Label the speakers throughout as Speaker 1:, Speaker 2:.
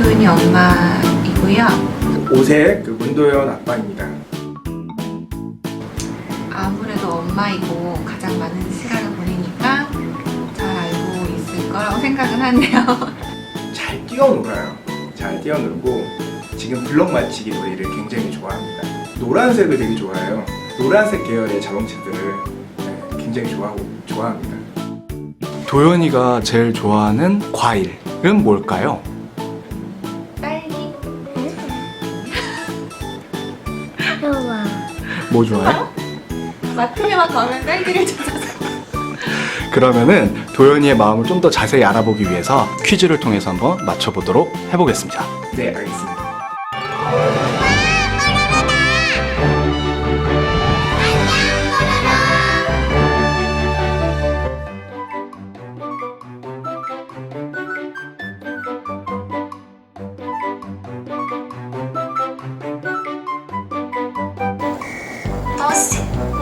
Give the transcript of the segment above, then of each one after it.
Speaker 1: 도윤이 엄마이고요.
Speaker 2: 오색 그 문도연 아빠입니다.
Speaker 1: 아무래도 엄마이고 가장 많은 시간을 보내니까 잘 알고 있을 거라고 생각은 하네요.
Speaker 2: 잘 뛰어놀아요. 잘 뛰어놀고 지금 블럭 맞추기 놀이를 굉장히 좋아합니다. 노란색을 되게 좋아해요. 노란색 계열의 자동차들을 굉장히 좋아합니다.
Speaker 3: 도연이가 제일 좋아하는 과일은 뭘까요?
Speaker 1: 딸기.
Speaker 4: 좋아.
Speaker 3: 뭐 좋아해?
Speaker 1: 마트에만 가면 딸기를 찾아서.
Speaker 3: 그러면은 도연이의 마음을 좀 더 자세히 알아보기 위해서 퀴즈를 통해서 한번 맞춰보도록 해보겠습니다.
Speaker 2: 네, 알겠습니다.
Speaker 4: 버스.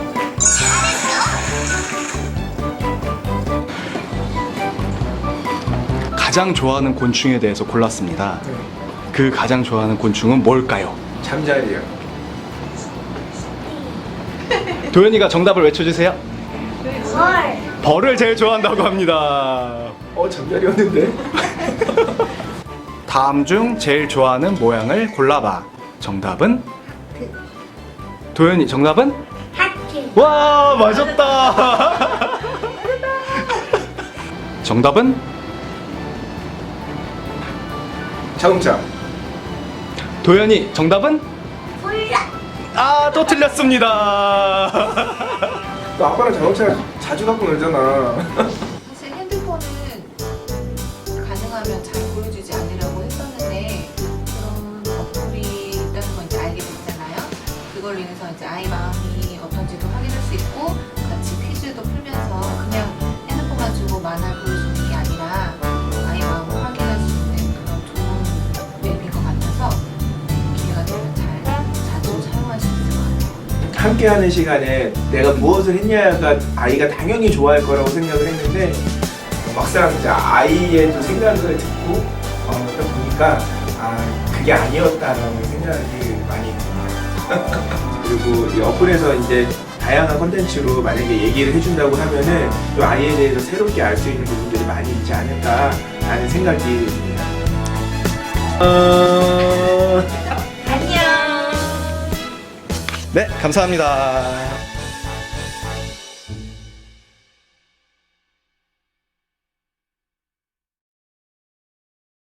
Speaker 3: 가장 좋아하는 곤충에 대해서 골랐습니다. 그 가장 좋아하는 곤충은 뭘까요?
Speaker 2: 잠자리요.
Speaker 3: 도연이가 정답을 외쳐주세요.
Speaker 4: 헐.
Speaker 3: 벌을 제일 좋아한다고 합니다.
Speaker 2: 잠자리였는데?
Speaker 3: 다음 중 제일 좋아하는 모양을 골라봐. 정답은? 도연이 정답은?
Speaker 4: 하트.
Speaker 3: 와, 맞았다. 정답은?
Speaker 2: 자동차.
Speaker 3: 도연이 정답은?
Speaker 4: 홀라.
Speaker 3: 아, 또 틀렸습니다.
Speaker 2: 너 아빠랑 자동차 자주 갖고 놀잖아.
Speaker 1: 사실 핸드폰은 가능하면 잘 보여주지 않으려고 했었는데 그런 어플이 있다는 건 이제 알게 됐잖아요. 그걸로 인해서 이제 아이 마음이 어떤지도 확인할 수 있고 같이 퀴즈도 풀면서 그냥 핸드폰만 주고 만화를 보여주는 게 아니라 아이 마음을 확인할 수 있는 그런 좋은 앱인 것 같아서 기회가 되면 자주 사용할 수 있을 것 같아요.
Speaker 2: 함께하는 시간에 내가 무엇을 했냐가 아이가 당연히 좋아할 거라고 생각을 했는데 막상 이제 아이의 또 생각을 듣고 딱 보니까 그게 아니었다라는 생각이 많이 듭니다. 그리고 이 어플에서 이제 다양한 컨텐츠로 만약에 얘기를 해준다고 하면은 또 아이에 대해서 새롭게 알 수 있는 부분들이 많이 있지 않을까라는 생각이 듭니다.
Speaker 4: 안녕.
Speaker 3: 네, 감사합니다.